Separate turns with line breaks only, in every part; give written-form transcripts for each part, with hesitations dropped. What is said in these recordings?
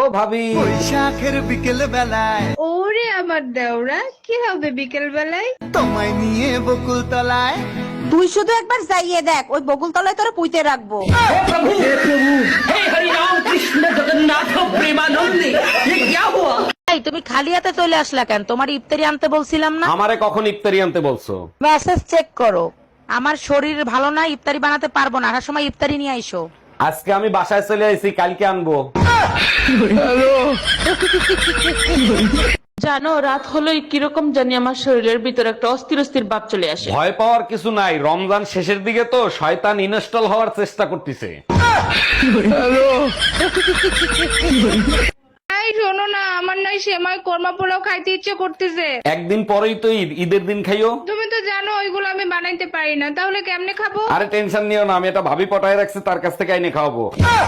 ভাবি,
বৈশাখের বিকেল বেলায়
ওরে আমার দেওরা, কি হবে বিকেল বেলায়?
তোমায় নিয়ে বকুল তলায়
তুই শুধু একবার যাইয়ে দেখ, ওই বকুল তলায় তোরা পুঁতে রাখবো। এই, তুমি খালি হাতে চলে আসলা কেন? তোমার ইফতারি আনতে বলছিলাম না?
আমারে কখন ইফতারি আনতে বলছো?
মেসেজ চেক করো। আমার শরীর ভালো না, ইফতারি বানাতে পারবো না। আসার সময় ইফতারি নিয়ে আইসো।
আজকে আমি বাসায় চলে আইছি, কালকে আনবো।
জানো, রাত হলেই কিরকম জানি আমার শরীরের ভিতর একটা অস্থির অস্থির ভাব চলে আসে।
ভয় পাওয়ার কিছু নাই, রমজান শেষের দিকে তো শয়তান ইনস্টল হওয়ার চেষ্টা করতেছে।
এই শোনো না, আমার নয় সেমাই কোরমা পোলাও খাইতে ইচ্ছে করতেছে।
একদিন পরেই তো ঈদ, ঈদের দিন খাইও।
তুমি তো জানো ওইগুলো আমি বানাইতে পারি না, তাহলে কেমনে খাবো?
আরে টেনশন নিও না, আমি এটা ভাবি পটায় রাখছি, তার কাছ থেকে আইনে খাওয়াবো।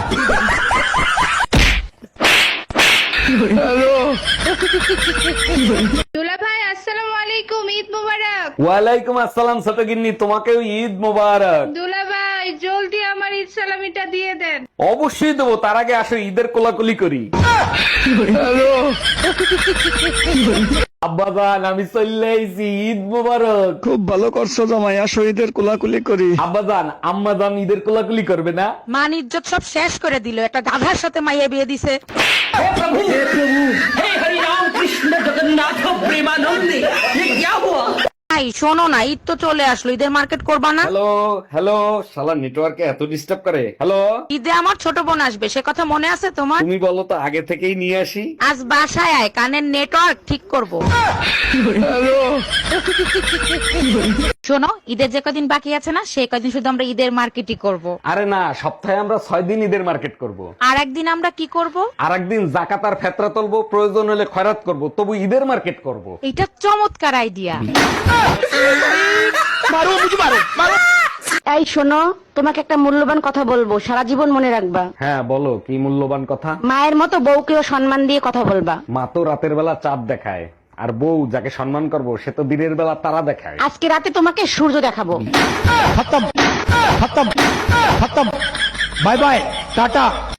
দুলা ভাই আসসালামু আলাইকুম, ঈদ মোবারক।
ওয়ালাইকুম আসসালাম ছোট গিন্নি, তোমাকেও ঈদ মোবারক।
দুলা ভাই জলদি আমার ঈদ সালামিটা দিয়ে দেন।
অবশ্যই দেবো, তার আগে আসো ঈদের কোলাকুলি করি। আব্বাজান, আমি চলে আইছি, ঈদ মোবারক।
খুব ভালো করছো জামাই, আসো ঈদের কোলাকুলি করি।
আব্বাজান, আম্মাজান ঈদের কোলাকুলি করবে না?
মান ইজ্জত সব শেষ করে দিল, একটা গাধার সাথে মাইয়া বিয়ে দিছে। এই শোনো না, ঈদ তো চলে আসলো, ঈদের মার্কেট করবা না?
হ্যালো হ্যালো, শালা নেটওয়ার্কে এত ডিস্টার্ব করে। হ্যালো,
ঈদে আমার ছোট বোন আসবে, সে কথা মনে আছে তোমার?
তুমি বলো তো আগে থেকেই নিয়ে আসি।
আজ বাসায় আয়, কানের নেটওয়ার্ক ঠিক করবো। শোনো, ঈদের যে কদিন বাকি আছে না, সেই কদিন শুধু আমরা ঈদের মার্কেটই করব।
আরে না, সপ্তাহে আমরা 6 দিন ঈদের মার্কেট করব।
আর একদিন আমরা কি করব?
আর একদিন জাকাত আর ফেতরা তুলবো, প্রয়োজন হলে খয়রাত করব, তবু ঈদের মার্কেট করব।
এটা চমৎকার আইডিয়া।
এই শোনো, তোমাকে একটা মূল্যবান কথা বলবো, সারা জীবন মনে রাখবা।
হ্যাঁ বলো, কি মূল্যবান কথা?
মায়ের মতো বউকেও সম্মান দিয়ে কথা বলবা।
মা তো রাতের বেলা চাঁদ দেখায়, আর বউ যাকে সম্মান করব সে তো দিনের বেলা তারা দেখায়।
আজকে রাতে তোমাকে সূর্য দেখাবো।
Bye bye, tata.